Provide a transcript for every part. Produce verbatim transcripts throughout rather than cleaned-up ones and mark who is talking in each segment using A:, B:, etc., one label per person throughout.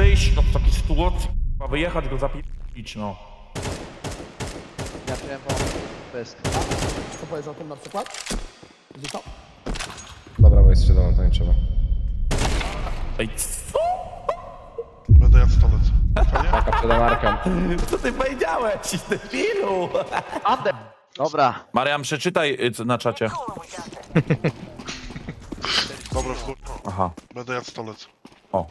A: wyjść no, z takiej sytuacji, k***a, wyjechać go zapić, no.
B: Ja wiem, bo pysk.
C: Co powiesz o tym na przykład? Gdzie to?
D: Dobra, bo jest świadomo, to nie trzeba.
A: Ej, co?
E: Będę jadł stolec. Fajnie?
D: Taka przed Amarkiem.
A: Co ty powiedziałeś, debilu?
B: Ande! Dobra.
A: Mariam, przeczytaj y, co na czacie.
E: Dobra, w chuj.
A: Aha.
E: Będę jadł stolec.
A: O.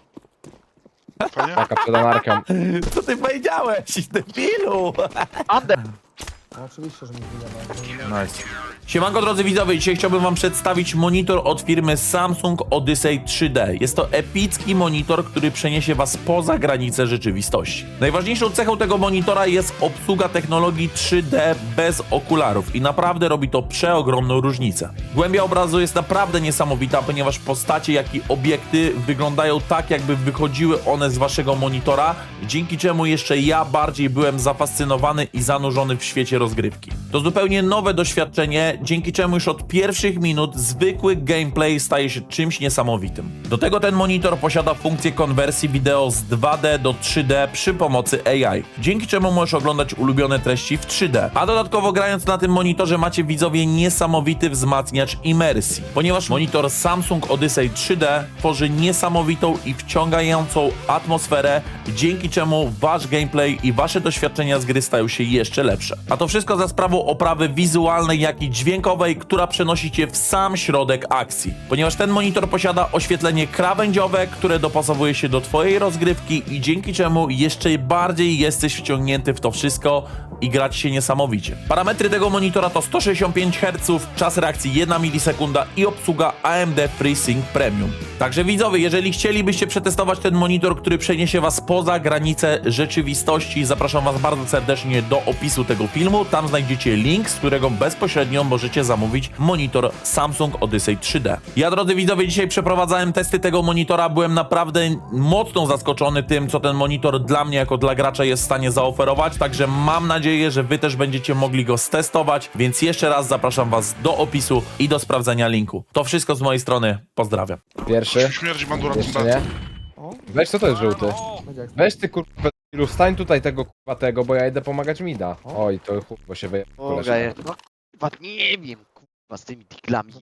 E: Fajnie?
D: Taka przed Amarkiem.
A: Co ty powiedziałeś, debilu?
B: Ande!
C: No oczywiście, że mi wyjemy.
A: Nice. Siemanko drodzy widzowie, dzisiaj chciałbym wam przedstawić monitor od firmy Samsung Odyssey trzy D. Jest to epicki monitor, który przeniesie was poza granice rzeczywistości. Najważniejszą cechą tego monitora jest obsługa technologii trzy D bez okularów i naprawdę robi to przeogromną różnicę. Głębia obrazu jest naprawdę niesamowita, ponieważ postacie jak i obiekty wyglądają tak, jakby wychodziły one z waszego monitora, dzięki czemu jeszcze ja bardziej byłem zafascynowany i zanurzony w świecie rozgrywki. To zupełnie nowe doświadczenie, dzięki czemu już od pierwszych minut zwykły gameplay staje się czymś niesamowitym. Do tego ten monitor posiada funkcję konwersji wideo z dwa D do trzy D przy pomocy A I, dzięki czemu możesz oglądać ulubione treści w trzy D. A dodatkowo grając na tym monitorze macie widzowie niesamowity wzmacniacz imersji, ponieważ monitor Samsung Odyssey trzy D tworzy niesamowitą i wciągającą atmosferę, dzięki czemu wasz gameplay i wasze doświadczenia z gry stają się jeszcze lepsze. A to wszystko za sprawą oprawy wizualnej, jak i dźwiękowej, która przenosi cię w sam środek akcji. Ponieważ ten monitor posiada oświetlenie krawędziowe, które dopasowuje się do twojej rozgrywki i dzięki czemu jeszcze bardziej jesteś wciągnięty w to wszystko i grać się niesamowicie. Parametry tego monitora to sto sześćdziesiąt pięć herców, czas reakcji jedna milisekunda i obsługa A M D FreeSync Premium. Także widzowie, jeżeli chcielibyście przetestować ten monitor, który przeniesie was poza granice rzeczywistości, zapraszam was bardzo serdecznie do opisu tego filmu. Tam znajdziecie link, z którego bezpośrednio możecie zamówić monitor Samsung Odyssey trzy D. Ja, drodzy widzowie, dzisiaj przeprowadzałem testy tego monitora. Byłem naprawdę mocno zaskoczony tym, co ten monitor dla mnie jako dla gracza jest w stanie zaoferować. Także mam nadzieję, że wy też będziecie mogli go stestować. Więc jeszcze raz zapraszam was do opisu i do sprawdzenia linku. To wszystko z mojej strony. Pozdrawiam.
D: Pierwszy.
E: Śmierdzi bandura
D: Jeszcze nie. Weź, co to jest żółty?
C: Będzie jak
D: Weź ty kurwa, ilu stań tutaj tego kurwa tego, bo ja idę pomagać Mida. Oj, to chuj, bo się wyje...
B: Boga je. No kurwa, nie wiem, kurwa, z tymi diglami.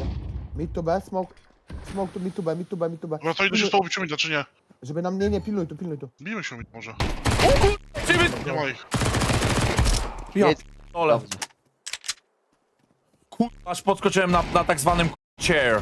C: Mid to B, smoke. Smoke to mid to B, mid to B, mid to B.
E: Dobra, to idę się z tobą bić, czy nie?
C: Żeby nam, nie, nie, pilnuj tu, pilnuj tu.
E: Bijmy się może. Nie ma ich.
A: Ja
B: Jedź.
A: ole.
B: Dobrze.
A: Kurwa, aż podskoczyłem na, na tak zwanym chair.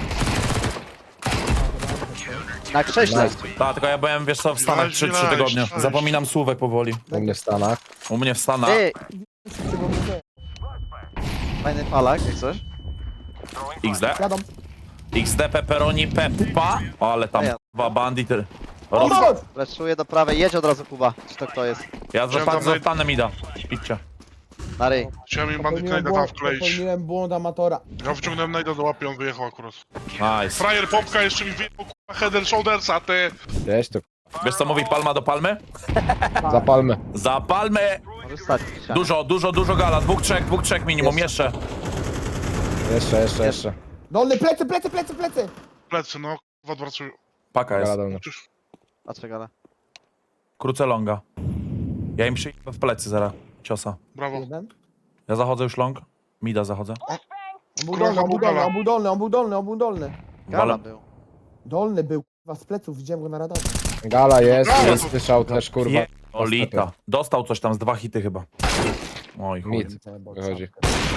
B: Na krześle.
D: Nice.
A: Tak, tylko ja byłem, wiesz co, w Stanach trzy
E: Nice,
A: tygodnie.
E: nice.
A: Zapominam słówek powoli.
D: U mnie w Stanach.
A: U mnie w Stanach.
B: Ty,
C: Czego mi chce?
B: fajny palak, jak coś.
A: X D.
C: Jadą.
A: X D pepperoni peppa. O, ale tam
B: A ja.
A: dwa bandit.
C: O,
A: Roz...
C: chodź!
B: Leczuję do prawej, jedź od razu, Kuba. Czy to kto jest?
A: Ja
E: Chciałem
A: zostanę,
E: tam
A: zostanę mi da. Idźcie.
B: Na ryj.
E: Chciałem im bandyt
C: Popełniłem
E: najda tam
C: błąd,
E: wkleić.
C: popełniłem błąd amatora.
E: Ja wyciągnąłem najda do łapy, on wyjechał akurat.
A: Nice.
E: Frajer Popka jeszcze mi wyjechał kurwa head and shouldersa, ty!
D: Weź to
A: Wiesz co mówi palma do palmy?
D: zapalmy.
A: Za palmy!
B: Może stać.
A: Dużo, dużo, dużo gala. Dwóch, trzech, dwóch, trzech minimum. Jeszcze.
D: Jeszcze, jeszcze, jeszcze.
C: Dolny, plecy, plecy, plecy, plecy!
E: Plecy, no kurwa odwracują.
A: Paka jest.
D: Gala do mnie.
B: Patrzę gala.
A: Krócę longa. Ja im przyjdę w plecy zaraz. Ciosa.
E: Brawo.
C: Jeden.
A: Ja zachodzę już long. Mida zachodzę.
C: On był
E: Kurwa,
C: dolny, on był dolny,
E: gala.
C: on był dolny, on był dolny, on był dolny.
B: Gala
A: Ale-
B: był.
C: Dolny był, kurwa, z pleców, widziałem go na radarze.
D: Gala jest,
E: Gala.
D: jest słyszał też kurwa.
A: Je... Olita. Dostał coś tam z dwa hity chyba. Oj chuj.
D: Mid wychodzi.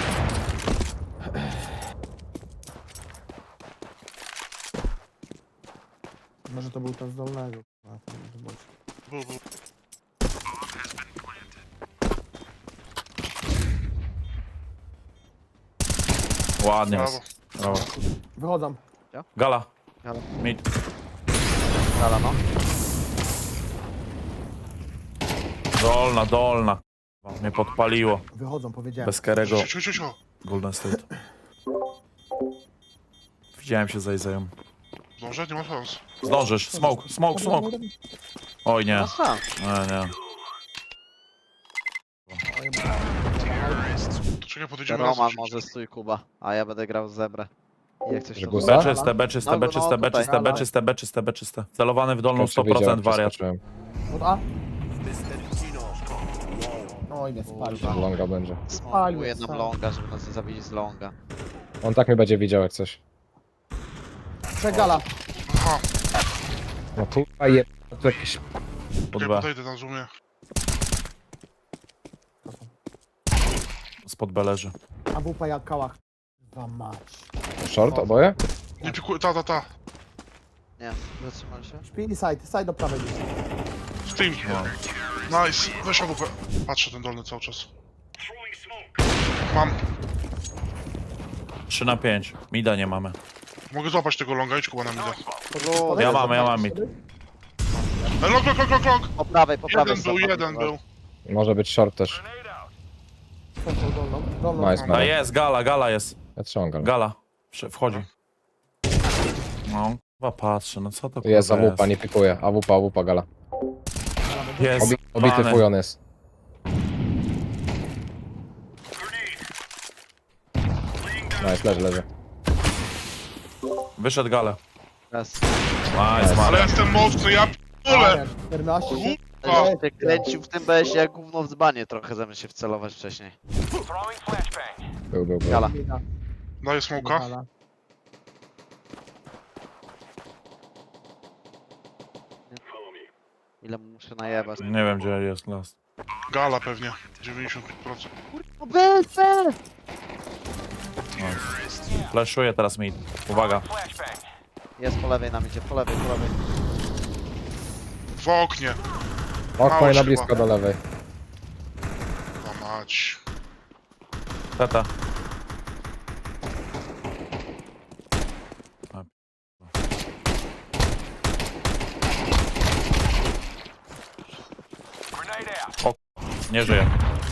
C: Może to był ten z dolnego. kurwa, ten z boku.
E: Był, był.
A: Ładnie
E: Brawo.
A: jest. Brawo.
C: Wychodzą.
A: Gala.
B: Gala.
A: Mid.
B: Gala, no.
A: Dolna, dolna. Kurwa, mnie podpaliło.
C: Wychodzą, powiedziałem.
A: Bez Kerego.
E: Ciu, ciu, ciu, ciu.
A: Golden State. Widziałem się za Izają.
E: Może? Nie ma szans.
A: Zdążysz. Smoke, smoke, smoke. Oj nie.
B: No sam.
A: Nie, nie.
E: To czekaj, podejdziemy
B: Roman
E: razem.
B: może stój, Kuba. A ja będę grał z zebrę. I jak coś
D: Że
B: to
D: guza?
A: B czyste, B czyste,
B: No,
A: B
B: no,
A: czyste, B
B: tutaj.
A: czyste, B czyste, B czyste, B czyste. Celowany w dolną
D: Jak się
A: sto
D: wiedział,
A: procent
D: jak
A: wariat.
D: przeskoczyłem.
C: Od A. Oj, nie spali.
D: Że longa będzie.
B: Smokuję nam
C: Spalił,
B: longa, żeby nas nie zabili z longa.
D: On tak mnie będzie widział jak coś.
C: Przegala.
E: Aha,
D: No kurwa je... To jakieś...
A: Pod
E: ja
A: B.
E: podejdę na zoomie.
A: Spod B leży.
C: A wupa jak kałach. Dwa mać.
D: Short oboje?
E: Nie pikuję, ta, ta, ta.
B: Nie, zatrzymali się.
C: Śpi i side, side do prawej gdzieś.
E: Steam. Nice. Weź A W P. Patrzę ten dolny cały czas. Mam.
A: trzy na pięć. Mida nie mamy.
E: Mogę złapać tego longa, idź kuba na mida.
B: Podróż.
A: Ja mam, ja mam mid.
E: E, long, long, long, long, long.
B: Po prawej, po prawej.
E: Jeden był,
B: stop,
E: jeden
B: dobra.
E: był.
D: Może być short też.
C: Central dolną. Dolną.
D: Nice
A: A
D: man.
A: jest, gala, gala jest.
D: Ja trzymam galę.
A: Gala. Prze- Wchodzi. No, chyba patrzę, no co to kurwa
D: Jest A W P, nie pikuje. A W P, A W P, gala.
A: Jest.
D: Obi obity
A: Pany.
D: fuj on jest. Nice, leży, leży.
A: Wyszedł gale.
B: Raz.
A: Nice,
E: Ale
A: Maria.
E: jestem mocny, ja p***ole.
C: czternaście.
E: O.
C: Ej,
B: Się kręcił w tym B S ie jak gówno w dzbanie trochę zamiast się wcelować wcześniej.
D: Był, był, był.
B: Gala.
C: Mida.
E: Daję smoka.
C: Gala.
B: Ile mu muszę najebać.
A: Nie wiem, gdzie jest last.
E: Gala pewnie. dziewięćdziesiąt pięć procent.
B: No B, B!
A: Nice. Flashuję teraz mid. Uwaga.
B: Jest po lewej nam idzie, po lewej, po lewej.
E: W oknie.
D: Okno
E: Mało
D: i na
E: się
D: blisko
E: chyba.
D: do lewej.
E: O mać.
A: Teta. A, O, nie żyje.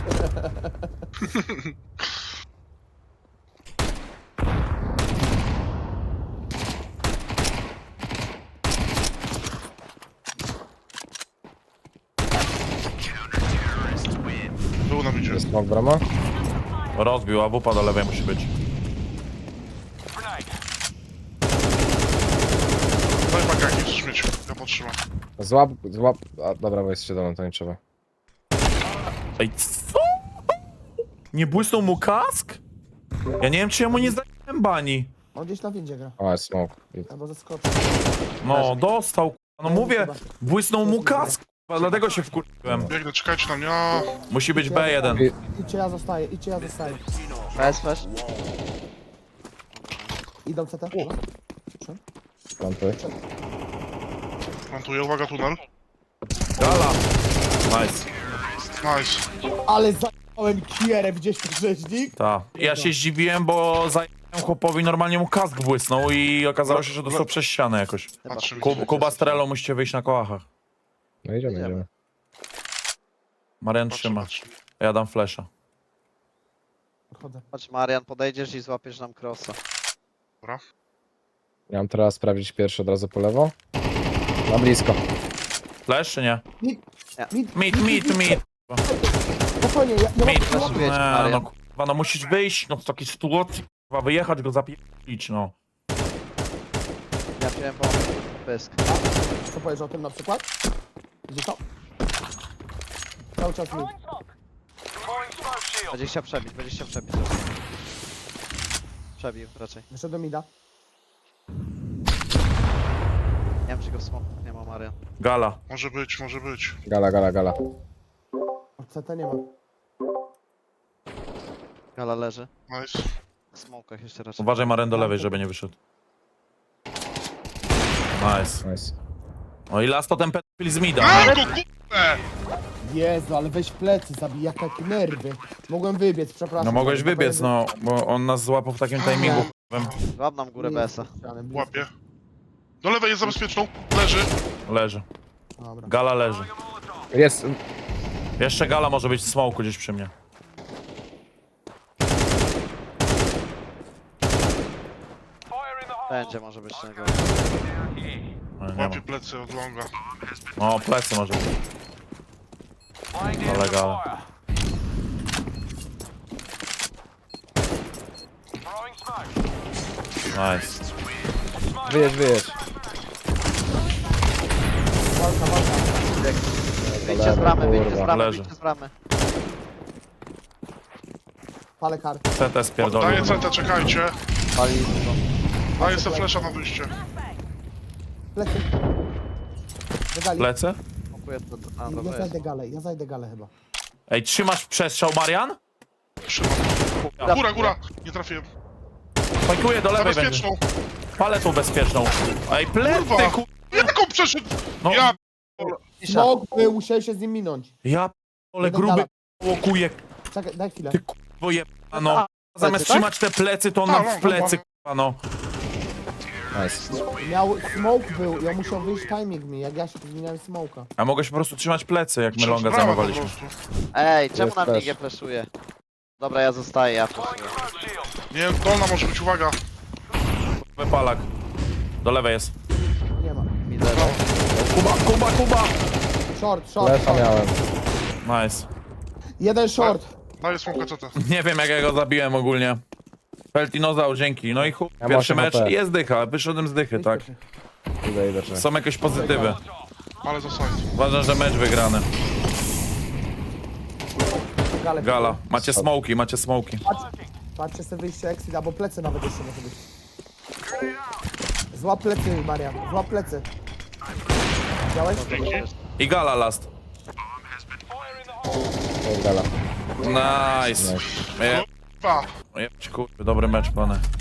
E: Był na midzie.
D: Jest smok brama?
A: Rozbił, a wupa do lewej musi być.
E: Daj pakę jakiś śmieć. Ja potrzymam.
D: Złap, złap... A, dobra, bo jest siedem, to nie trzeba.
A: Ej, co? Nie błysnął mu kask? Ja nie wiem, czy ja mu nie zdałem bani.
C: On gdzieś na windzie gra.
D: O, jest smok.
C: Albo zaskoczył.
A: No, dostał. No mówię, błysnął mu kask. Dlatego się wkurzyłem.
E: Biegnę, czekajcie na mnie. A,
A: Musi być B jeden.
C: Idźcie, ja zostaję, idźcie, ja zostaję.
B: B S flash.
C: Idą C T.
D: Plantuj.
E: plantuję, uwaga, tunel.
A: Gala. Nice.
E: Nice.
C: Ale zająłem kierę, gdzieś ten rzeźnik.
A: Ta. Ja się zdziwiłem, bo zająłem chłopowi, normalnie mu kask błysnął i okazało się, że dostał przez ścianę jakoś.
B: Chyba.
E: Patrzę,
A: Ku- Kuba z Trello musicie wyjść na kołachach.
D: No idziemy,
B: Idziemy.
D: idziemy.
A: Marian
E: Patrzę,
A: trzyma.
E: patrzę.
A: Ja dam flasha.
C: Odchodzę.
B: Chodź Marian, podejdziesz i złapiesz nam crossa.
D: Ja mam teraz sprawdzić pierwszy od razu po lewo. Na blisko.
A: Flash czy nie?
C: Mid, mid,
A: Mid, mid, mid.
C: spokojnie, ja, ja
A: Mid.
C: mam...
B: Flashuję cię,
A: Nie,
B: Marian.
A: no kurwa, no musisz wyjść, no z takiej sytuacji, kurwa, wyjechać go zapić, no.
B: Ja wziąłem pomysł. Pysk.
C: Co powiesz o tym na przykład? Gdzie to? Cały czas mid.
B: Będzie chciał przebić, będzie chciał przebić. Przebił raczej.
C: Wyszedł do mida.
B: Nie wiem czy go w smoku nie ma Marian.
A: Gala.
E: Może być, może być.
D: Gala, gala, gala.
C: Od C T nie ma.
B: Gala leży.
E: Nice.
B: W smokach jeszcze raczej.
A: Uważaj Maren do lewej, żeby nie wyszedł. Nice.
D: Nice.
A: No i last to ten pedofil z mida.
E: Mam
A: nie?
E: go, kurde!
C: Jezu, ale weź w plecy, zabij, jak takie nerwy. Mogłem wybiec, przepraszam.
A: No mogłeś wybiec, no, bo on nas złapał w takim timingu.
B: Złap nam górę B S a.
E: Łapię. Do lewej jest za bezpieczną. Leży.
A: Leży.
C: Dobra.
A: Gala leży.
D: Jest...
A: Jeszcze gala może być w smoku gdzieś przy mnie.
B: Będzie może być tego.
A: No, nie ma.
E: Łapię plecy od longa.
A: No, plecy może być. Ale gala. Nice.
D: Wyjedź, wyjedź.
C: Walka, walka.
B: Wyjdźcie z bramy, wyjdźcie z
D: Kurwa,
B: bramy,
A: leży.
B: wyjdźcie z bramy.
C: Palę kartę.
A: C T spierdolił.
E: Daję C T, czekajcie.
B: Pali no.
E: Daję sobie flesza na wyjście.
C: Plecy. Wygali.
A: Lecę?
B: Smokuję to. A,
C: Ja
B: dobra jest.
C: zajdę galę, ja zajdę galę chyba.
A: Ej, trzymasz przestrzał, Marian?
E: Trzymam. Góra, góra. Nie trafiłem.
A: Fajkuję, do
E: Na
A: lewej będzie.
E: bezpieczną.
A: Palę tą bezpieczną. Ej, plecy,
E: Kurwa.
A: ku...
E: Jaką przeszedł?
A: No,
E: Ja...
B: Cisza.
C: Smok był, musiałem się z nim minąć.
A: ja ale
C: Jeden
A: gruby
C: gala.
A: łokuje,
C: Czekaj, daj chwilę.
A: ty kurwo jebano. Zamiast
B: tak?
A: trzymać te plecy, to on
E: A,
A: nam
E: no,
A: w plecy,
E: no.
A: kurwa, no.
D: Nice.
C: Miał, smoke był, ja musiał wyjść timing mi, jak ja się tu zmieniałem smoka.
A: A mogę się po prostu trzymać plecy, jak my longa
E: Brawa po
A: zajmowaliśmy.
E: prostu.
B: Ej, czemu
D: Jest
B: na mnie
D: flash.
B: nie flashuje? Dobra, ja zostaję, ja flashuję.
E: Nie, dolna może być, uwaga.
A: Wypalak. Do lewej jest.
C: Nie ma.
B: Widzę.
A: Kuba, Kuba, Kuba!
C: Short, short,
D: Lesza
C: short.
D: miałem.
A: Nice.
C: Jeden short.
E: Daję smoka C T.
A: Nie wiem, jak ja go zabiłem ogólnie. Peltinozaur, dzięki. No i chuj,
D: Ja
A: pierwszy
D: mam
A: mecz
D: H P.
A: jest dycha, wyszedłem z dychy, tak.
D: Idę, idę, czy.
A: Są jakieś pozytywy.
E: Ale za side.
A: Uważam, że mecz wygrany.
C: Galę.
A: Gala. Macie smoki, macie smoki.
C: Patrzcie sobie wyjście exit, albo plecy nawet jeszcze może być. Złap plecy, Marian, złap plecy. Widziałeś?
A: I gala last.
D: To jest gala.
A: Nice. Je,
E: Dwa.
A: jebać, kurwa, dobry mecz, panie.